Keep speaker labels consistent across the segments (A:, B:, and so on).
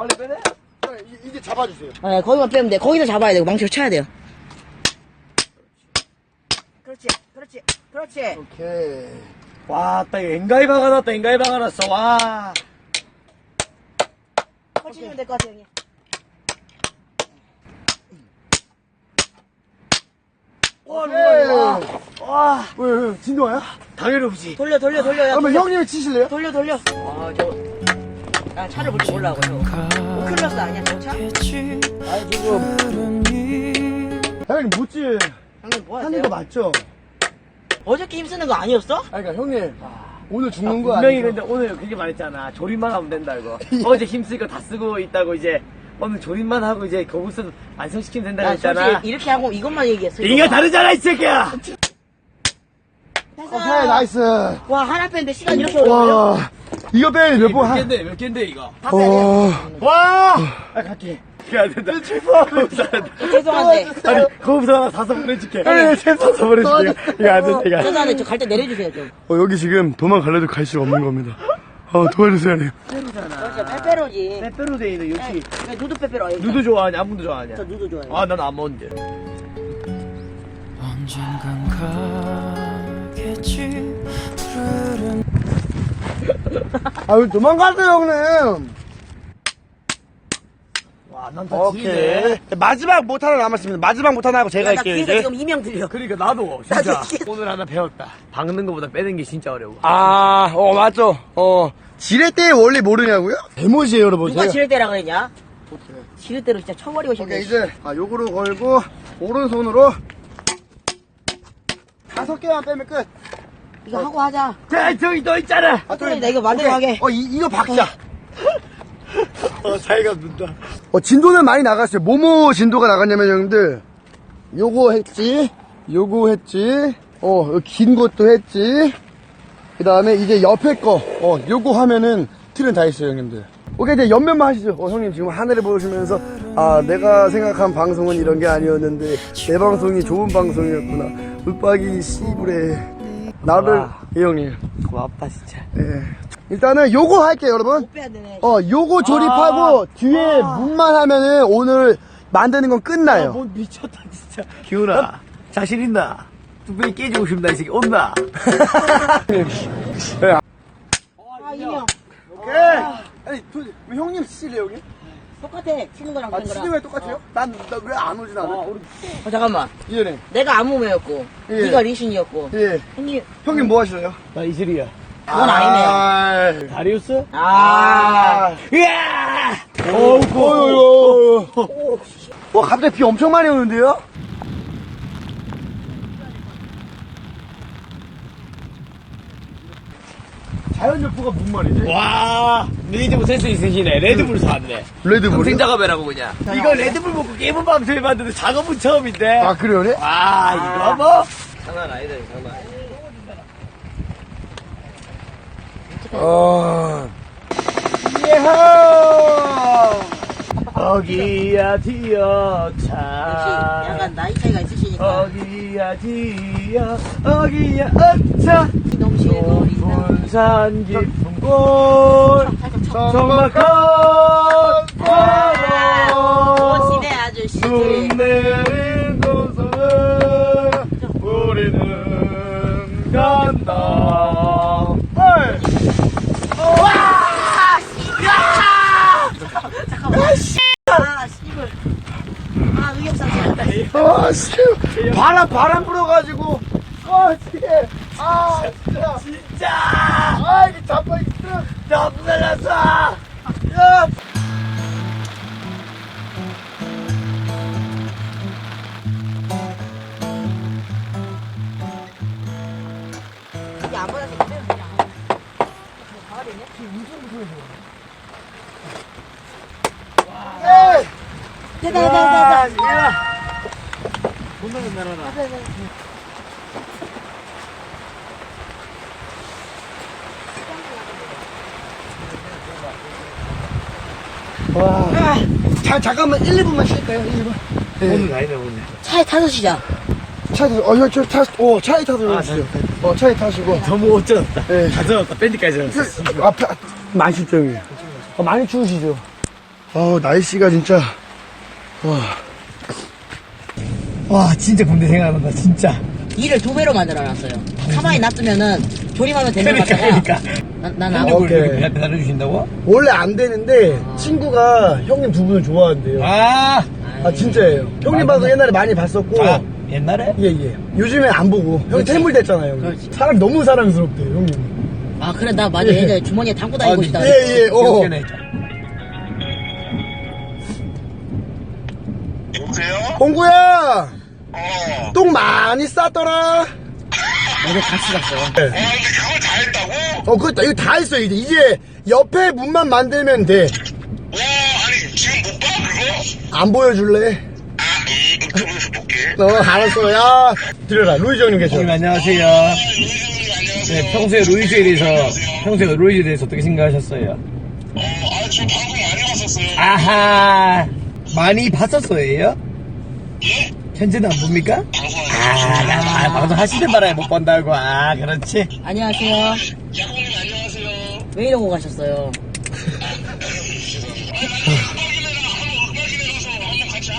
A: 빨리 빼네?
B: 이제 잡아주세요.
C: 네, 거기만 빼면 돼. 거기서 잡아야 되고 망치로 쳐야 돼요. 그렇지, 그렇지, 그렇지.
B: 오케이.
A: 와, 딱 엔가이 박아놨다, 엔가이 박아놨어, 와.
C: 펼치면 될 것 같아요, 형님.
A: 와,
B: 오케이.
A: 와.
B: 왜, 진도야?
A: 당연히 없지.
C: 돌려.
B: 그러면 형님이 치실래요?
C: 돌려. 아, 난 차를 볼 줄 몰라고, 저. 클러스 아니야, 저 차?
B: 아니, 지금. 형님, 못지.
C: 형님 뭐
B: 하는
C: 하세요?
B: 거 맞죠?
C: 어저께 힘쓰는 거 아니었어?
B: 아니, 그러니까 형님. 오늘 죽는 거
A: 분명히
B: 아니죠?
A: 근데 오늘 그렇게 말했잖아. 조립만 하면 된다, 이거. 어제 힘쓰니까 다 쓰고 있다고 이제. 오늘 조립만 하고 이제 거기서 완성시키면 된다고
C: 난
A: 했잖아.
C: 솔직히 이렇게 하고 이것만 얘기했어.
A: 이가 다르잖아, 이 새끼야!
C: 됐어.
B: 오케이, 나이스.
C: 와, 하나 뺐는데 시간 이렇게 오래 걸려?
B: 와, 이거 빼면 몇 번 한.
A: 몇 갠데, 이거?
C: 다 빼야 돼요.
A: 와! 아, 갈게. 그게 안 된다. 거기서 안 된다.
C: 죄송한데.
A: 아니, 거기서 하나 다섯 번 해줄게.
B: 네,
A: 다섯 번 해줄게. 이거 안 된다, 이거.
C: 죄송한데 저 갈 때 내려주세요, 좀.
B: 여기 지금 도망갈래도 갈 수가 없는 겁니다. 도와주세요, 형님.
C: 그렇죠, 빼빼로지.
A: 페페로데이는 역시.
C: 네, 누드 빼빼로.
A: 누드 좋아하냐? 아무도 좋아하냐?
C: 저 누드 좋아해요.
A: 아, 난 안 먹는데.
D: 언젠간 가겠지 푸르른
B: 왜 도망가세요, 형님?
A: 와, 난다
B: 오케이. 마지막 못 하나 남았습니다. 마지막 못 하나 하고 제가
C: 나
B: 할게요,
C: 뒤에서
B: 이제.
C: 지금 이명 들려.
A: 그러니까 나도 진짜
C: 나도 이게-
A: 오늘 하나 배웠다. 박는 거보다 빼는 게 진짜 어려워.
B: 맞죠. 지렛대 원리 모르냐고요? 대못이에요, 여러분.
C: 누가
B: 제가.
C: 지렛대라 그랬냐? 지렛대로 진짜 쳐버리고 싶네.
B: 오케이, 이제, 요거로 걸고, 오른손으로, 5개만 빼면 끝.
C: 이거 하고 하자.
A: 자, 저기 너 있잖아.
C: 그래, 나 이거 만들어
B: 오케이.
C: 가게.
B: 이거 박자.
A: 자기가 눈다.
B: 진도는 많이 나갔어요. 뭐뭐 진도가 나갔냐면, 형님들, 요거 했지, 요거 했지, 긴 것도 했지, 그 다음에 이제 옆에 거, 요거 하면은 틀은 다 있어요, 형님들. 오케이, 이제 옆면만 하시죠. 형님 지금 하늘을 보시면서, 내가 생각한 방송은 이런 게 아니었는데, 내 방송이 좋은 방송이었구나. 윽박이 씨부레. 나를,
A: 와.
B: 예, 형님.
A: 고맙다, 진짜.
B: 예. 일단은 요거 할게요, 여러분.
C: 못 빼야 되네.
B: 요거 조립하고, 뒤에 문만 하면은 오늘 만드는 건 끝나요.
A: 뭔 미쳤다, 진짜. 기훈아, 자신 있나? 뚝배기 깨지고 싶나, 이 새끼. 온나?
C: 아, 이명.
B: 오케이. 아니, 왜 형님 치실래요, 형님?
C: 똑같아. 치는 거랑 그런
B: 치는
C: 거랑.
B: 게 똑같아요? 난 왜 안 오진 않아?
C: 잠깐만.
B: 이현님.
C: 내가 안무매였고,
B: 예.
C: 네가 리신이었고.
B: 예.
C: 형님,
B: 형님 뭐 하실래요?
A: 나 이슬이야.
C: 그건 아니네요.
A: 다리우스?
C: 이야!
B: 어이구. 와, 갑자기 비 엄청 많이 오는데요? 자연적부가 무슨 말이지?
A: 와, 니즈 센스 있으시네. 레드불 사왔네.
B: 레드불이요?
A: 평생 작업해라고 그냥. 이거 레드불 먹고 게임은 밤새 해봤는데 작업은 처음인데.
B: 그래요, 네?
A: 이거 뭐? 장난 아니다, 장난 아니다.
B: 예하!
A: 어기야
C: 역시
A: 디어차.
C: 약간 나이 차이가 있으시니까.
A: 어기야 디어, 어기야 어차.
C: 넘치는 거리.
A: 분산 깊은 곳. 정막한 바로.
C: 시대 아저씨들.
A: 눈 내린 곳으로 우리는 간다.
C: 씨발. 의욕상실한다.
B: 바람 불어가지고. 진짜.
A: 진짜!
B: 이게 자빠기 힘들어.
A: 너무 살렸어!
B: 야!
C: 이게 안 받아서 그대로 그냥. 가을이네? 됐다.
A: 존나 맨날하나.
B: 잠깐만 1, 2분만 쉴까요? 1, 2분.
A: 오늘 아니네, 오늘.
C: 차에 타서 쉬자.
B: 차에 타서 주세요. 차에 타시고.
A: 너무 어쩌졌다.
B: 네.
A: 다 젖었다. 밴드까지 젖었어.
B: 앞에, 많이 실정이에요. 많이 추우시죠? 날씨가 진짜.
A: 와, 진짜 군대 생각난다, 진짜.
C: 일을 2배로 만들어놨어요. 가만히 놔두면은 조림하면 되는 거
A: 그러니까.
C: 같다가 난
A: 한국을
B: 오케이.
A: 이렇게 배달해주신다고?
B: 원래 안 되는데, 친구가 형님 두 분을 좋아한대요.
A: 아,
B: 진짜예요. 형님 방송 옛날에 많이 봤었고.
A: 옛날에?
B: 예. 요즘에 안 보고. 형이
C: 그렇지.
B: 퇴물 됐잖아요. 형님.
C: 그렇지.
B: 사람 너무 사랑스럽대요, 형님.
C: 아 그래 나 맞아
B: 예.
C: 예전에 주머니에 담고 다니고 싶다.
B: 예.
A: 기억해내.
E: 여보세요?
B: 홍구야!
E: 어.
B: 똥 많이 쌌더라?
C: 어제 같이 갔어요.
E: 근데 그걸 다 했다고?
B: 그거 이거 다 했어, 이제. 이제 옆에 문만 만들면 돼.
E: 와, 아니, 지금 못 봐, 그거?
B: 안 보여줄래?
E: 유튜브에서 볼게.
B: 알았어. 야, 들어라. 루이즈 형님 계셔.
A: 형님, 안녕하세요.
E: 루이즈님, 안녕하세요.
A: 네, 평소에 루이즈에 대해서 어떻게 생각하셨어요?
E: 지금 방송 많이 봤었어요.
A: 아하, 많이 봤었어요?
E: 예?
A: 현재는 안 봅니까?
E: 방송
A: 방송 하시는 바람에 못 본다고. 그렇지.
C: 안녕하세요.
E: 야구님, 안녕하세요.
C: 왜 이러고 가셨어요?
E: 음악이네 가서 한번 같이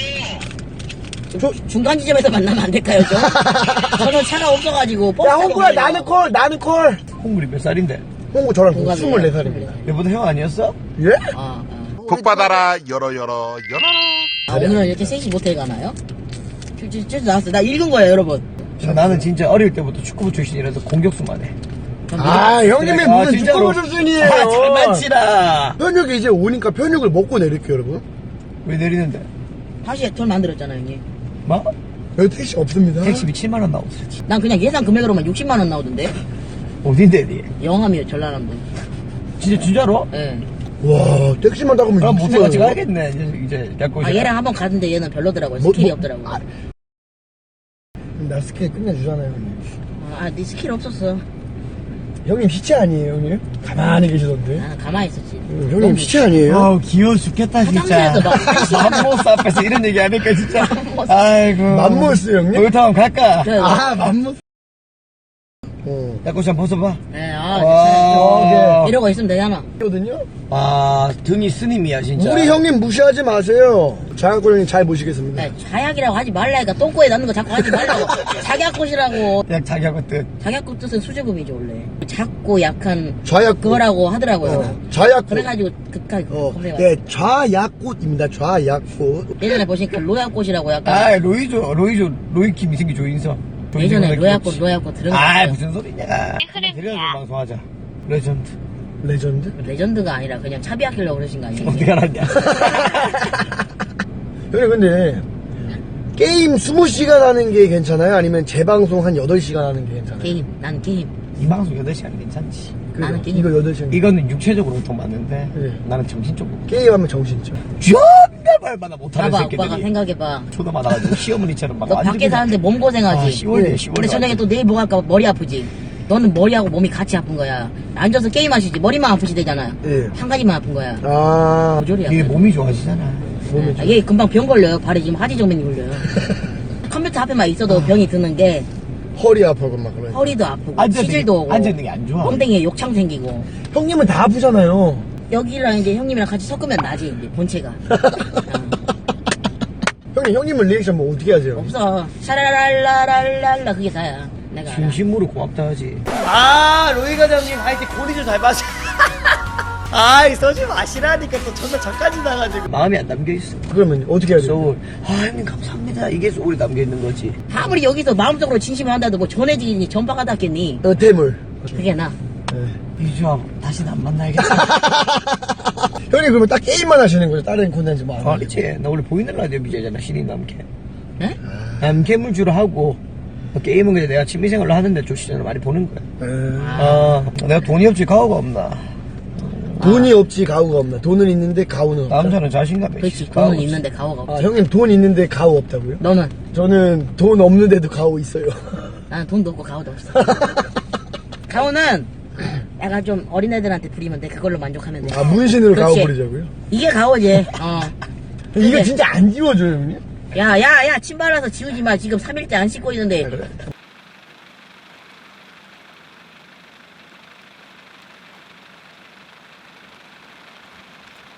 E: 합방해요.
C: 중간 지점에서 만나면 안 될까요, 좀? 저는 차가 없어가지고.
B: 야, 홍구야, 나는 콜.
A: 홍물이 몇 살인데?
B: 홍구 저랑
C: 동갑이에요.
B: 24살입니다.
A: 얘보다 형 아니었어?
B: 예?
F: 복 받아라 열어
C: 오늘은 이렇게 셋이 모텔 가나요? 쭉 나왔어요. 나 읽은 거예요, 여러분.
A: 나는 진짜 어릴 때부터 축구부 출신이라서 공격수만 해.
B: 형님이
A: 아,
B: 무슨
A: 진짜로.
B: 축구 수준이에요.
A: 장난치라.
B: 편육이 이제 오니까 편육을 먹고 내릴게요, 여러분.
A: 왜 내리는데?
C: 다시 돈 만들었잖아요, 형님.
A: 뭐?
B: 여기 택시 없습니다.
A: 택시비 7만원 나오지.
C: 난 그냥 예상 금액으로만 60만원 나오던데?
A: 어딘데, 니?
C: 영암이요, 전라남도.
A: 진짜로?
C: 예.
B: 와, 택시만 타고
A: 그럼
B: 오면
A: 모텔 같이 가야겠네. 이제 갖고
C: 아, 얘랑 한번 갔는데 얘는 별로더라고요.
B: 뭐,
C: 스킬이
B: 뭐,
C: 없더라고요.
B: 나 스킬 끝내주잖아요, 형님.
C: 네 스킬 없었어.
B: 형님 시체 아니에요, 형님? 가만히 계시던데.
C: 나는 가만히 있었지.
B: 형님 시체 아니에요?
A: 아우, 귀여워 죽겠다, 진짜.
C: 화장실에서 막
A: 맘모스 앞에서 이런 얘기 하니까, 진짜. 아이고.
B: 맘모스 형님?
A: 거기서 한번 갈까?
C: 그래,
B: 맘모스.
A: 야, 꽃이 한번 벗어봐.
C: 네,
A: 와.
C: 이러고 있으면 되잖아.
B: 거든요.
A: 등이 스님이야, 진짜.
B: 우리 형님 무시하지 마세요. 장학골 형님 잘 모시겠습니다.
C: 네, 자약이라고 하지 말라니까. 똥꼬에 넣는 거 자꾸 하지 말라고. 작약꽃이라고.
A: 약 자기하고 뜻.
C: 작약꽃 뜻은 수제금이죠, 원래. 작고 약한
B: 좌약꽃.
C: 그거라고 하더라고요.
B: 좌약꽃.
C: 그래가지고 극하게 검색해.
B: 네, 좌약꽃입니다. 좌약꽃.
C: 예전에 보시니까 로약꽃이라고 약간.
A: 로이킴 이승기 조인성.
C: 예전에 로약꽃 들은 거 같아요.
A: 무슨 소리냐. 데려서 방송하자. 레전드.
B: 레전드?
C: 레전드가 아니라 그냥 차비하키려고 그러신 거 아니에요?
A: 어떻게 알았냐.
B: 형님 근데 게임 20시간 하는 게 괜찮아요? 아니면 재방송 한 8시간 하는 게 괜찮아요?
C: 게임. 난 게임.
A: 이 방송 8시간 괜찮지.
C: 나는 게임.
B: 이거 8시간.
A: 이거는 육체적으로 돈 맞는데
B: 네.
A: 나는 정신적으로.
B: 게임하면 정신죠.
A: 존나 말마다 못하는
C: 봐봐,
A: 새끼들이.
C: 오빠가 생각해봐.
A: 초도 많아가지고 시어머니처럼 막
C: 너
A: 완전
C: 밖에
A: 그냥-
C: 사는데 몸 고생하지.
A: 10월이야, 10월.
C: 근데 저녁에 또 내일 뭐 할까 머리 아프지. 너는 머리하고 몸이 같이 아픈 거야. 앉아서 게임하시지. 머리만 아프시대잖아.
B: 예.
C: 한 가지만 아픈 거야.
B: 아,
C: 고졸이야.
A: 이게 몸이 좋아지잖아.
B: 몸이
C: 아, 얘 금방 병 걸려요. 발에 지금 하지정맥이 걸려요. 컴퓨터 앞에만 있어도 병이 드는 게
B: 허리 아파고 막 그래.
C: 허리도 아프고
A: 앉아있는
C: 치질도 오고
A: 앉아있는 게 안 좋아.
C: 엉덩이에 욕창 생기고.
B: 형님은 다 아프잖아요.
C: 여기랑 이제 형님이랑 같이 섞으면 나지 이제 본체가.
B: 형님은 리액션 뭐 어떻게 하세요?
C: 없어. 샤라랄라랄랄라 그게 다야. 내가 알아.
A: 진심으로 고맙다 하지. 로이 과장님 하여튼 고리를 잘 마셔. 아이, 써지 마시라니까 또 존나 저까지 나가지고. 마음이 안 담겨있어.
B: 그러면 어떻게 해야 돼요?
A: 소울. 형님 감사합니다. 이게 소울이 담겨있는 거지.
C: 아무리 여기서 마음속으로 진심을 한다도 뭐 전해지니 전파가 닿겠니?
B: 퇴물.
C: 그게 나.
A: 이주아 다시는 안 만나야겠다.
B: 형님 그러면 딱 게임만 하시는 거죠? 다른 콘텐츠 뭐 안 하고?
A: 아니지. 나 원래 보이는 라디오 BJ잖아. 신인 남캠.
C: 네?
A: 남캠을 주로 하고 게임은 그냥 내가 취미생활로 하는데 조시전을 많이 보는 거야. 내가 돈이 없지 가오가 없나.
B: 돈이 없지 가오가 없나? 돈은 있는데 가오는 없다?
A: 남자는 자신감이
C: 그렇지.
A: 있지.
C: 돈은 있는데 가오가 없지.
B: 형님 돈 있는데 가오 없다고요?
C: 너는?
B: 저는 돈 없는데도 가오 있어요.
C: 나는 돈도 없고 가오도 없어. 가오는 약간 좀 어린애들한테 부리면 돼. 그걸로 만족하면 돼.
B: 아, 문신으로 가오
C: 그렇지.
B: 부리자고요?
C: 이게 가오지.
B: 이거
C: 그래.
B: 진짜 안 지워져요, 형님?
C: 야, 침 발라서 지우지 마. 지금 3일째 안 씻고 있는데.